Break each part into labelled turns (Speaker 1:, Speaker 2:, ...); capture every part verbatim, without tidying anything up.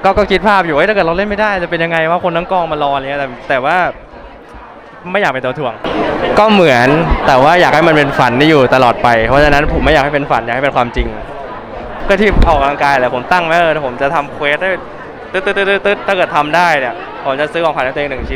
Speaker 1: ก็ก็คิดภาพอยู่ว่าถ้าเกิดเราเล่นไม่ได้จะเป็นยังไงว่าคนทั้งกองมารออะไรเงี้ยแต่แต่ว่าไม่อยากเป็นตัวถ่วงก็เหมือนแต่ว่าอยากให้มันเป็นฝันที่อยู่ตลอดไปเพราะฉะนั้นผมไม่อยากให้เป็นฝันอยากให้เป็นความจริงก็ที่ออกกำลังกายแหละผมตั้งไว้เออผมจะทำเควสได้ตึ๊ดตึ๊ดตึ๊ดตึ๊ดถ้าเกิดทำได้เนี่ยผมจะซื้อของขวัญให้ตัวเองหนึ่งชิ้น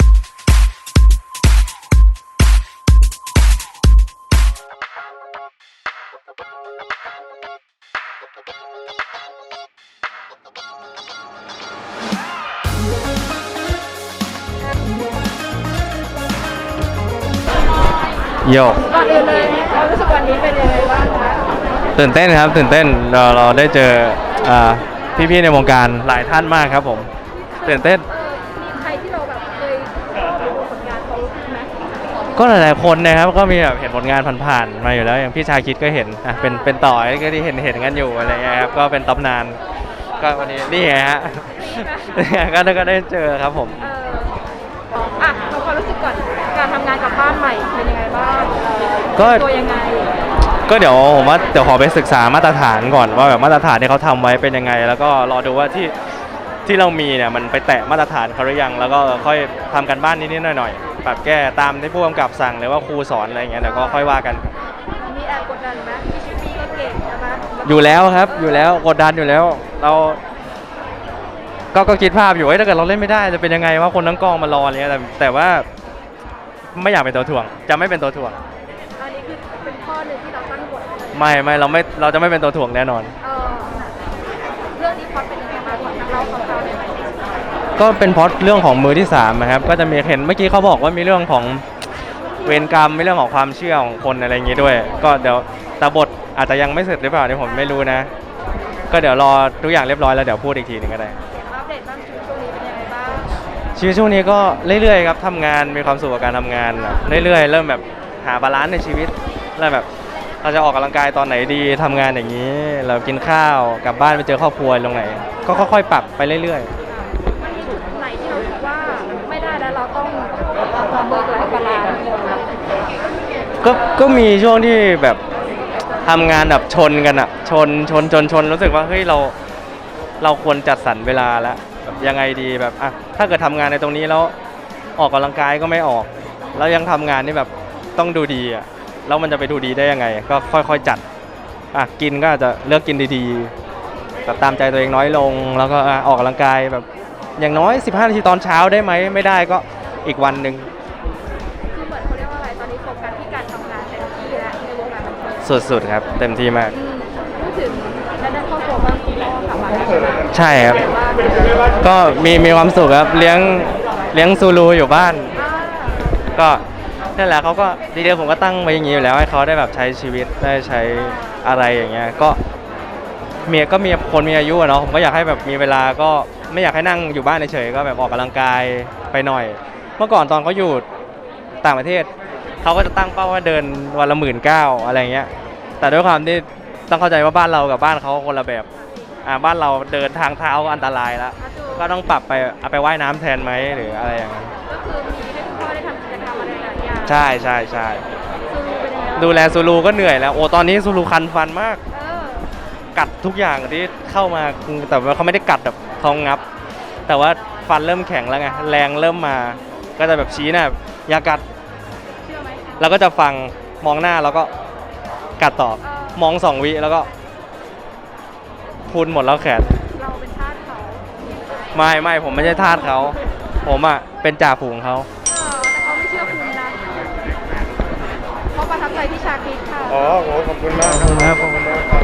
Speaker 1: โยก
Speaker 2: ก่อนอื่นเลยความรู้สึกวันนี้เป็นยังไงบ้างคะ
Speaker 1: ตื่นเต้นครับตื่นเต้นเราเราได้เจอพี่ๆในวงการหลายท่านมากครับผมตื่นเต้น
Speaker 2: มีใครที่เราแบบเคยชอบดูผลงานเขาไหม
Speaker 1: ก็หลายๆคนนะครับก็มีแบบเห็นผลงานผ่านๆมาอยู่แล้วอย่างพี่ชาคิดก็เห็นอ่ะเป็นเป็นต่อยก็ที่เห็นเห็นกันอยู่อะไรเงี้ยครับก็เป็นตำนานก็วันนี้นี่ไงฮะก็ก็ได้เจอครับผม
Speaker 2: อ่ะเราความรู้สึกก่อนการทำงานกับบ้านใหม่เป็นยังไงบ้าง
Speaker 1: ก็
Speaker 2: ตัวยังไง
Speaker 1: ก็เดี๋ยวผมว่าเดี๋ยวขอไปศึกษามาตรฐานก่อนว่าแบบมาตรฐานที่เขาทำไว้เป็นยังไงแล้วก็รอดูว่าที่ที่เรามีเนี่ยมันไปแตะมาตรฐานเขาหรือยังแล้วก็ค่อยทำกันบ้านนิดๆหน่อยๆปรับแก้ตามที่ผู้กำกับสั่งหรือว่าครูสอนอะไรอย่างเงี้ยเดี๋ยวก็ค่อยว่ากัน
Speaker 2: มีแอบกดดันไหมพี่พี่ก็เก่งใช่ไหม
Speaker 1: อยู่แล้วครับอยู่แล้วกดดันอยู่แล้วเราก็ก็คิดภาพอยู่ว่าถ้าเกิดเราเล่นไม่ได้จะเป็นยังไงว่าคนทั้งกองมารออะไรเงี้ยแต่แต่ว่าไม่อยากเป็นตัวถ่วงจะไม่เป็นตัวถ่วง
Speaker 2: อันนี้คือเป็นข้อหนึ่งที่เราตั้งกฎ
Speaker 1: ไม่ไม่เราไม่เราจะไม่เป็นตัวถ่วงแน่นอน
Speaker 2: เออเรื่องนี้พอเป็นยังไงบ้างเราของเราในวันนี้
Speaker 1: ก็เป็นเพราะเรื่องของมือที่สามนะครับก็จะมีเห็นเมื่อกี้เขาบอกว่ามีเรื่องของเวรกรรมมีเรื่องของความเชื่อของคนอะไรอย่างงี้ด้วยก็เดี๋ยวแต่บทอาจจะยังไม่เสร็จหรือเปล่าเนี่ยผมไม่รู้นะก็เดี๋ยวรอทุกอย่างเรียบร้อยแล้วเดี๋ยวพูดอีกทีนึงก็ได้
Speaker 2: อัปเดตบ้างชีวิตช่วงนี้เป็นยังไงบ้าง
Speaker 1: ชีวิตช่วงนี้ก็เรื่อยๆครับทำงานมีความสุขกับการทำงานเรื่อยๆเริ่มแบบหาบาลานซ์ในชีวิตเริ่มแบบเราจะออกกำลังกายตอนไหนดีทำงานอย่างนี้เรากินข้าวกลับบ้านไปเจอครอบครัวตรงไหนก็ค่อยๆปรับไปเรื่อย
Speaker 2: ๆมันมีจุดไหนที่เราคิดว่าไม่ได้แล้วเราต้องเบิกหลายบาลานซ์
Speaker 1: ก็ก็มีช่วงที่แบบทำงานแบบชนกันอะชนชนชนชนรู้สึกว่าเฮ้ยเราเราควรจัดสรรเวลาแล้วยังไงดีแบบอ่ะถ้าเกิดทำงานในตรงนี้แล้วออกกำลังกายก็ไม่ออกแล้วยังทำงานนี่แบบต้องดูดีอ่ะแล้วมันจะไปดูดีได้ยังไงก็ค่อยๆจัดอ่ะกินก็อาจจะเลือกกินดีๆแบบตามใจตัวเองน้อยลงแล้วก็ออกกำลังกายแบบอย่างน้อยสิบห้านาทีตอนเช้าได้ไหมไม่ได้ก็อีกวันหนึ่ง
Speaker 2: คือเหมือนเขาเรียกว่าอะไรตอนนี้โฟกัสที่การทำงานเต็มที่แล้วในวงการบันเทิ
Speaker 1: งสุดๆครับเต็มที่มาก
Speaker 2: พูดถึงด้านครอบครัวบ้างคุณพ่อค่ะบ้าน
Speaker 1: ใช่ครับก็มีมีความสุขครับเลี้ยงเลี้ยงซูรูอยู่บ้านก็นั่นแหละเขาก็ดีเดียวผมก็ตั้งไว้อย่างนี้อยู่แล้วให้เขาได้แบบใช้ชีวิตได้ใช้อะไรอย่างเงี้ยก็เมียก็มีคนมีอายุเนาะผมก็อยากให้แบบมีเวลาก็ไม่อยากให้นั่งอยู่บ้านเฉยๆก็แบบออกกำลังกายไปหน่อยเมื่อก่อนตอนเขาอยู่ต่างประเทศเขาก็จะตั้งเป้าว่าเดินวันละหมื่นเก้าอะไรเงี้ยแต่ด้วยความที่ต้องเข้าใจว่าบ้านเรากับบ้านเขาคนละแบบอ่าบ้านเราเดินทางเท้าก็อันตรายแล้วก็ต้องปรับไปเอาไปว่ายน้ำแทนไหมหรืออะไรอย่างเงี้ย
Speaker 2: ก็คือมีให้คุณพ่อได้ทำกิจกรรมอะไรหลายอย่าง
Speaker 1: ใช่ใช่ใช่ดูแลซูรูก็เหนื่อยแล้วโอ้ตอนนี้ซูรูคันฟันมากกัดทุกอย่างที่เข้ามาแต่ว่าเขาไม่ได้กัดแบบเขางับแต่ว่าฟันเริ่มแข็งแล้วไงแรงเริ่มมาก็จะแบบชี้น่ะอย่ากัดเราก็จะฟังมองหน้าแล้วก็กัดต่อมองสองวิแล้วก็พูนหมดแล้วแขน
Speaker 2: เราเป็นทาสเขา
Speaker 1: ไม่ไม่ผมไม่ใช่ทาสเขาผมอ่ะเป็นจ่าฝูงเขา
Speaker 2: แต่เขาไม่เชื่อคุณนะเขาประทับใจที่ชาคิดค่ะ
Speaker 3: อ๋อโหขอบคุณมากครับขอบคุณมากครับ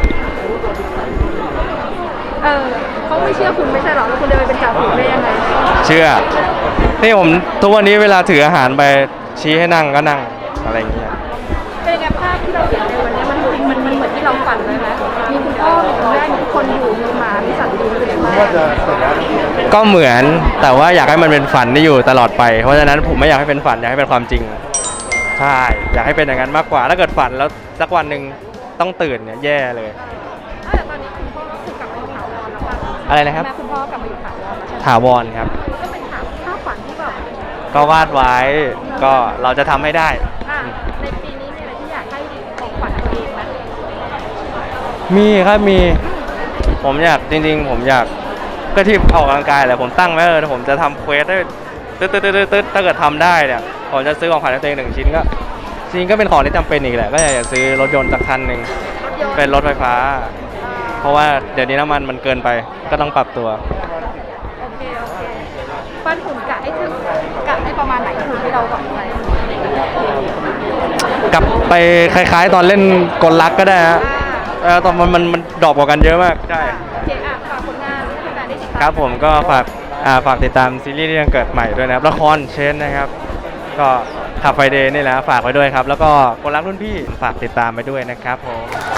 Speaker 2: เออเขาไม่เชื่อคุณไม่ใช่หรอแล้วคุณเดินไปเป็นจ่าฝูงได้ยังไง
Speaker 1: เชื่อที่ผมทุกวันนี้เวลาถืออาหารไปชี้ให้นั่งก็นั่งอะไรอย่างเงี้ย
Speaker 2: เป็นไงภาพที่เราเห็นในวันนี้มันมันมันเหมือนที่เราฝันเลยไหมมีคุณพ่อมีคุณแม่มีทุกคนอยู่มีหมามีสัตว์ดีเลยไหม
Speaker 1: ก็เหมือนแต่ว่าอยากให้มันเป็นฝันที่อยู่ตลอดไปเพราะฉะนั้นผมไม่อยากให้เป็นฝันอยากให้เป็นความจริงใช่อยากให้เป็นอย่างนั้นมากกว่าถ้าเกิดฝันแล้วสักวันหนึ่งต้องตื่นเนี่ยแย่เลย
Speaker 2: แต่ตอนนี้คุณพ่อก็คือกลับมาอยู่ถาวรแล้วป่ะ
Speaker 1: อะไรนะครับ
Speaker 2: แม่คุณพ่อกลับมาอยู่ถาวร
Speaker 1: ถาวรครับ
Speaker 2: ก็เป็นถาวรภาพฝันที่แบบ
Speaker 1: ก็วาดไว้ก็เราจะทำให้ได้
Speaker 2: ในปีนี้มีอะไรที่อยากให้ของขวัญตัวเองไหม
Speaker 1: มีครับมีผมอยากจริงๆผมอยากก็ที่ออกกำลังกายแหละผมตั้งไว้เออผมจะทำเควสได้ตึ๊ดตึ๊ดตึ๊ดตึ๊ดถ้าเกิดทำได้เนี่ยผมจะซื้อของขวัญให้ตัวเองหนึ่งชิ้นก็จริงก็เป็นของที่จำเป็นอีกแหละก็อยากจะซื้อรถยนต์สักคันหนึ่ง
Speaker 2: รถยนต์
Speaker 1: เป็นรถไฟฟ้า เพราะว่าเดี๋ยวนี้น้ำมันมันเกินไปก็ต้องปรับตัว
Speaker 2: โอเคโอเคปั้นหุ่นกะให้ถึงกะให้ประมาณไหนหุ่นที่เราบอกไว้
Speaker 1: กลับไปคล้ายๆ ตอนเล่นกลลักก็ได้ฮะเออตอนมันมันมันดรอปกว่ากันเยอะมากใช่
Speaker 2: โอเคอ่ะฝากผลงานให้แฟนๆได้ติดตาม
Speaker 1: ครับผมก็ฝากอ่าฝากติดตามซีรีส์ที่ยังเกิดใหม่ด้วยนะครับละครเชนนะครับ ก็ขับไฟเดย์นี่แหละฝากไว้ด้วยครับ แล้วก็คนรักรุ่นพี่ฝากติดตามไปด้วยนะครับผม